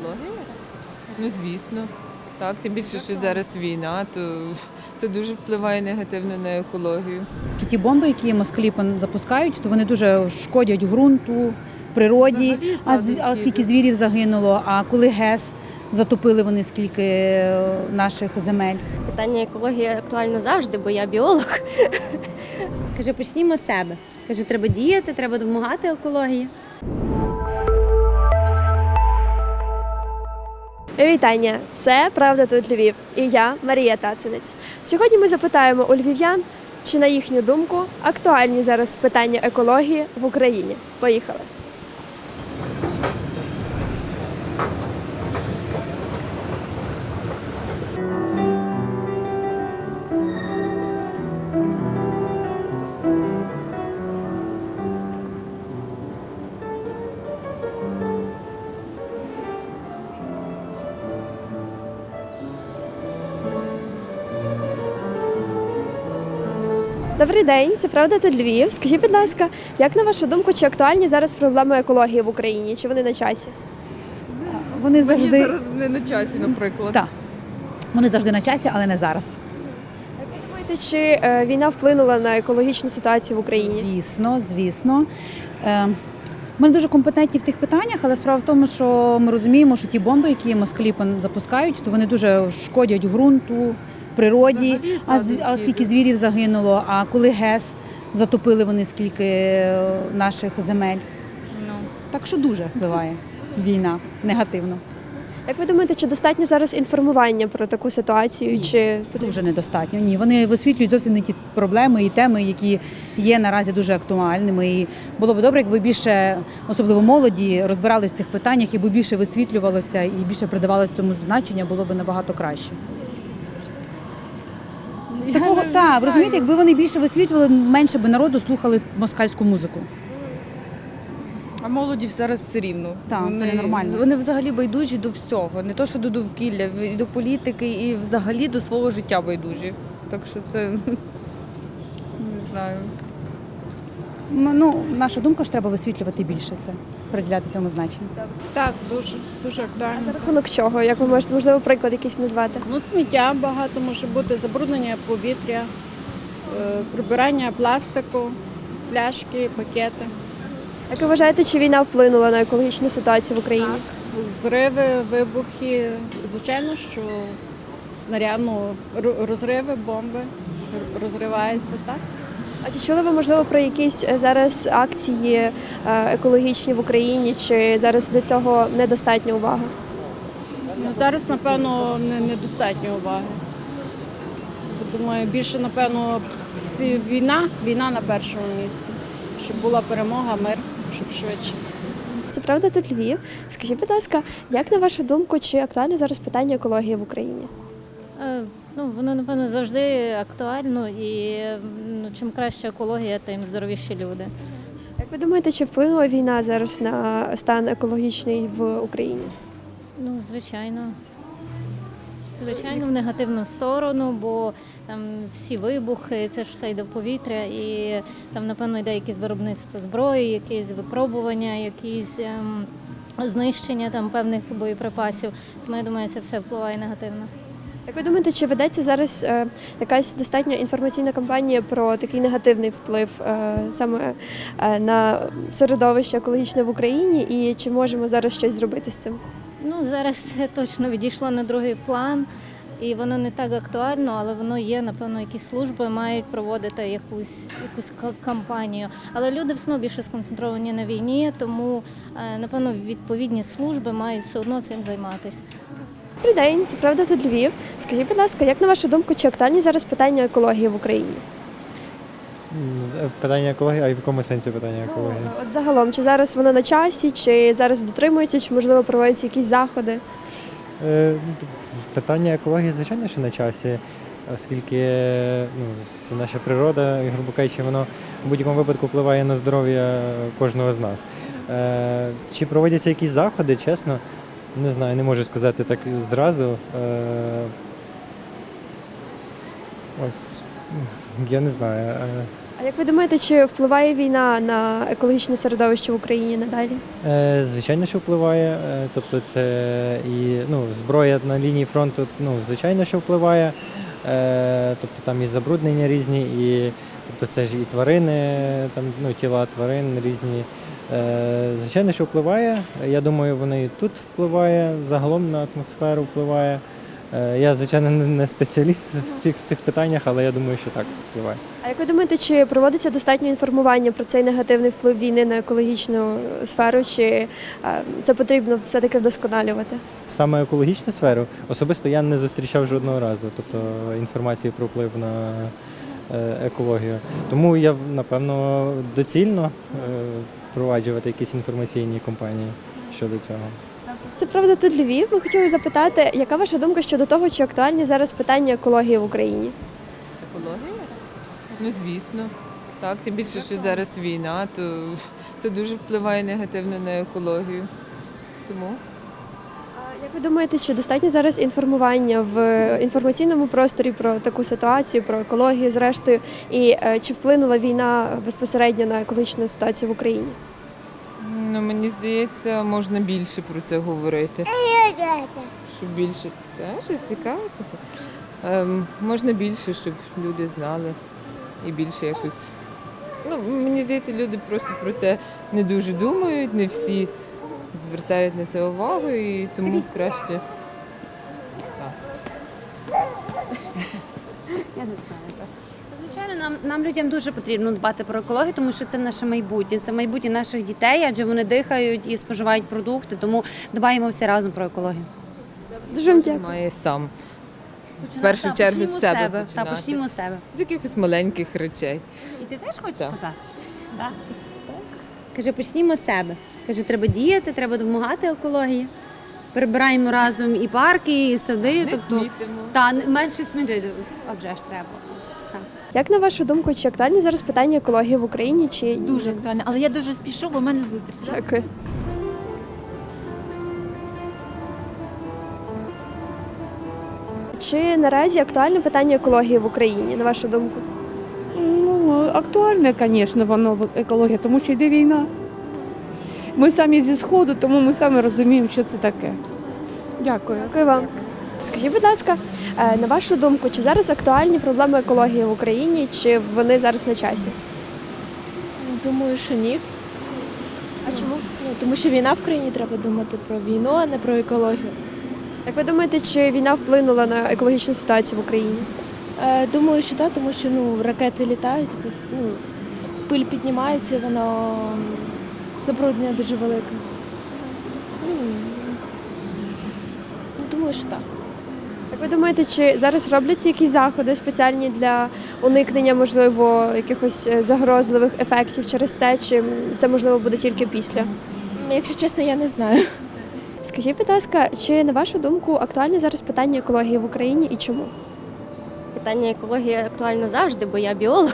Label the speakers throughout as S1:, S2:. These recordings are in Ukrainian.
S1: Екологія? Ну, звісно. Так, тим більше, що зараз війна, то це дуже впливає негативно на екологію.
S2: Ті бомби, які москалі запускають, то вони дуже шкодять ґрунту, природі, а скільки звірів загинуло, а коли ГЕС затопили вони скільки наших земель.
S3: Питання екології актуально завжди, бо я біолог.
S4: Каже, почнімо з себе. Каже, треба діяти, треба допомагати екології.
S3: Вітання! Це «Правда тут Львів» і я, Марія Тацинець. Сьогодні ми запитаємо у львів'ян, чи на їхню думку актуальні зараз питання екології в Україні. Поїхали! Добрий день, це «Правда тут Львів». Скажіть, будь ласка, як на вашу думку, чи актуальні зараз проблеми екології в Україні? Чи вони на часі?
S2: Вони завжди
S1: Зараз не на часі, наприклад.
S2: Так. Вони завжди на часі, але не зараз.
S3: Думаєте, чи війна вплинула на екологічну ситуацію в Україні?
S2: Звісно. Ми не дуже компетентні в тих питаннях, але справа в тому, що ми розуміємо, що ті бомби, які москалі запускають, то вони дуже шкодять ґрунту, природі, а скільки звірів загинуло, а коли ГЕС затопили вони скільки наших земель. Так що дуже впливає війна негативно.
S3: Як ви думаєте, чи достатньо зараз інформування про таку ситуацію? Чи
S2: Дуже недостатньо. Ні, вони висвітлюють зовсім не ті проблеми і теми, які є наразі дуже актуальними. І було б добре, якби більше, особливо молоді, розбиралися в цих питаннях, і більше висвітлювалося і більше придавалося цьому значення, було б набагато краще. Так, розумієте, якби вони більше висвітлювали, менше би народу слухали москальську музику.
S5: А молоді зараз все рівно.
S2: Так, це ненормально.
S5: Вони взагалі байдужі до всього. Не то, що до довкілля, і до політики, і взагалі до свого життя байдужі. Так що це не знаю.
S2: Наша думка ж треба висвітлювати більше це, приділяти цьому значення.
S6: Так, дуже актуально.
S3: за рахунок чого? Як ви можете, можливо, приклад якийсь назвати?
S6: Сміття багато може бути, забруднення повітря, прибирання пластику, пляшки, пакети.
S3: Як ви вважаєте, чи війна вплинула на екологічну ситуацію в Україні?
S6: Так, зриви, вибухи, звичайно, що розриви, бомби розриваються, так?
S3: А чи чули ви, можливо, про якісь зараз акції екологічні в Україні, чи зараз до цього недостатня увага?
S6: Зараз, напевно, недостатньо уваги. Думаю, більше, напевно, війна на першому місці, щоб була перемога, мир, щоб швидше.
S3: Це «Правда тут Львів». Скажіть, будь ласка, як на вашу думку, чи актуальне зараз питання екології в Україні?
S7: Воно, напевно, завжди актуально, і чим краща екологія, тим здоровіші люди.
S3: Як ви думаєте, чи вплинула війна зараз на стан екологічний в Україні?
S7: Звичайно. Звичайно, в негативну сторону, бо там всі вибухи, це ж все йде в повітря, і там, напевно, йде якесь виробництво зброї, якісь випробування, якісь знищення там певних боєприпасів. Тому я думаю, це все впливає негативно.
S3: Як ви думаєте, чи ведеться зараз якась достатньо інформаційна кампанія про такий негативний вплив саме на середовище екологічне в Україні, і чи можемо зараз щось зробити з цим?
S7: Зараз це точно відійшло на другий план, і воно не так актуально, але воно є, напевно, якісь служби мають проводити якусь кампанію. Але люди все одно більше сконцентровані на війні, тому, напевно, відповідні служби мають все одно цим займатися.
S3: Добрий день, це «Правда тут Львів». Скажіть, будь ласка, як на вашу думку, чи актуальні зараз питання екології в Україні?
S8: Питання екології, а в якому сенсі питання екології?
S3: От загалом, чи зараз воно на часі, чи зараз дотримується, чи, можливо, проводяться якісь заходи?
S8: Питання екології, звичайно, що на часі, оскільки це наша природа, і, грубо кажучи, воно в будь-якому випадку впливає на здоров'я кожного з нас. Чи проводяться якісь заходи, чесно, не знаю, не можу сказати так зразу. Я не знаю.
S3: А як ви думаєте, чи впливає війна на екологічне середовище в Україні надалі?
S8: Звичайно, що впливає. Тобто це і зброя на лінії фронту, звичайно, що впливає. Тобто там і забруднення різні, і тобто це ж і тварини, тіла тварин різні. Звичайно, що впливає. Я думаю, воно і тут впливає, загалом на атмосферу впливає. Я, звичайно, не спеціаліст в цих питаннях, але я думаю, що так впливає.
S3: А як ви думаєте, чи проводиться достатньо інформування про цей негативний вплив війни на екологічну сферу, чи це потрібно все-таки вдосконалювати?
S8: Саме екологічну сферу особисто я не зустрічав жодного разу, тобто інформації про вплив на екологію. Тому я, напевно, доцільно впроваджувати якісь інформаційні кампанії щодо цього.
S3: Це правда тут Львів. Ми хотіли запитати, яка ваша думка щодо того, чи актуальні зараз питання екології в Україні?
S1: Екологія? Ну, звісно. Так, тим більше, що зараз війна, то це дуже впливає негативно на екологію. Тому
S3: Як ви думаєте, чи достатньо зараз інформування в інформаційному просторі про таку ситуацію, про екологію, зрештою, і чи вплинула війна безпосередньо на екологічну ситуацію в Україні?
S1: мені здається, можна більше про це говорити. Щоб більше щось цікаве. Можна більше, щоб люди знали і більше якось. Мені здається, люди просто про це не дуже думають, не всі звертають на це увагу, і тому краще.
S4: Я не знаю просто. Звичайно, нам людям дуже потрібно дбати про екологію, тому що це наше майбутнє, це майбутнє наших дітей, адже вони дихають і споживають продукти, тому дбаємо всі разом про екологію.
S3: Дуже вам дякую.
S1: Має сам. В першу чергу з себе починати.
S4: Почнімо з себе.
S1: З якихось маленьких речей.
S4: І ти теж хочеш
S1: Так.
S4: сказати? Так. Каже, почнімо з себе. Каже, треба діяти, треба допомагати екології. Прибираємо разом і парки, і сади.
S1: Не смітимо.
S4: Менше смітити, а вже ж треба. Так.
S3: Як на вашу думку, чи актуальні зараз питання екології в Україні? Чи
S9: Дуже актуально, але я дуже спішу, бо в мене зустріч.
S3: Дякую. Чи наразі актуальне питання екології в Україні, на вашу думку?
S10: Актуальне, звісно, воно екологія, тому що йде війна. Ми самі зі Сходу, тому ми самі розуміємо, що це таке. Дякую.
S3: Дякую вам. Скажіть, будь ласка, на вашу думку, чи зараз актуальні проблеми екології в Україні, чи вони зараз на часі?
S11: Думаю, що ні.
S3: А чому?
S11: Тому що війна в країні, треба думати про війну, а не про екологію.
S3: Як ви думаєте, чи війна вплинула на екологічну ситуацію в Україні?
S11: Думаю, що так, тому що ракети літають, пиль піднімається, і воно забруднення дуже велике. Думаю, що так.
S3: Як ви думаєте, чи зараз робляться якісь заходи спеціальні для уникнення, можливо, якихось загрозливих ефектів через це, чи це, можливо, буде тільки після?
S11: Якщо чесно, я не знаю.
S3: Скажіть, будь ласка, чи, на вашу думку, актуальне зараз питання екології в Україні і чому?
S12: Питання екології актуально завжди, бо я біолог.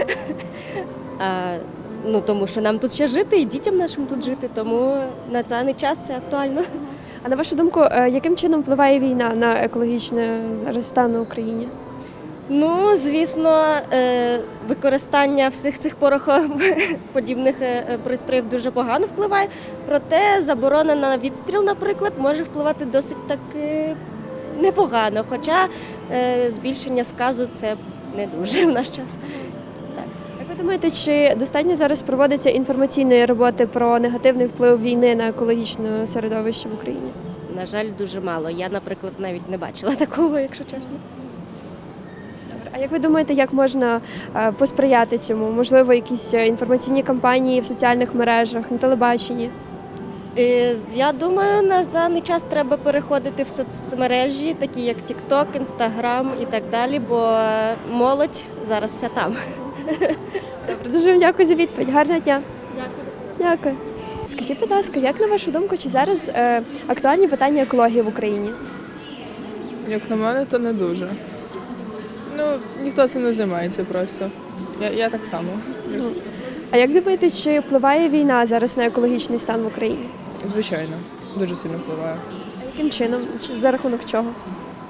S12: Тому що нам тут ще жити і дітям нашим тут жити, тому на даний час це актуально.
S3: А на вашу думку, яким чином впливає війна на екологічний зараз стан в Україні?
S12: Звісно, використання всіх цих порохоподібних пристроїв дуже погано впливає, проте заборона на відстріл, наприклад, може впливати досить так непогано, хоча збільшення сказу це не дуже в наш час.
S3: Як ви думаєте, чи достатньо зараз проводиться інформаційної роботи про негативний вплив війни на екологічне середовище в Україні?
S12: На жаль, дуже мало. Я, наприклад, навіть не бачила такого, якщо чесно.
S3: А як ви думаєте, як можна посприяти цьому? Можливо, якісь інформаційні кампанії в соціальних мережах, на телебаченні?
S12: Я думаю, на даний час треба переходити в соцмережі, такі як TikTok, Instagram і так далі, бо молодь зараз вся там.
S3: Добре, дуже вам дякую за відповідь. Гарного дня. Дякую. Скажіть, будь ласка, як на вашу думку, чи зараз актуальні питання екології в Україні?
S13: Як на мене, то не дуже. Ніхто цим не займається просто. Я так само.
S3: А як думаєте, чи впливає війна зараз на екологічний стан в Україні?
S13: Звичайно, дуже сильно впливає.
S3: А яким чином? За рахунок чого?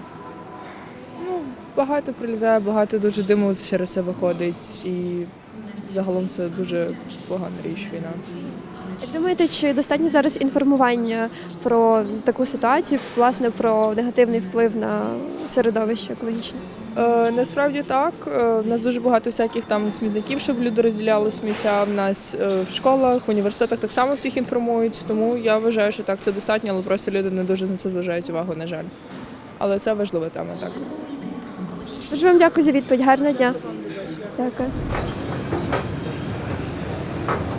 S13: Багато прилітає, багато дуже диму через це виходить. І загалом це дуже погана річ війна.
S3: Як думаєте, чи достатньо зараз інформування про таку ситуацію, власне, про негативний вплив на середовище екологічне?
S13: Насправді так. У нас дуже багато всяких там смітників, щоб люди розділяли сміття. В нас в школах, в університетах так само всіх інформують. Тому я вважаю, що так, це достатньо, але просто люди не дуже на це зважають увагу, на жаль. Але це важлива тема, так.
S3: Дуже вам дякую за відповідь. Гарного дня. Дякую.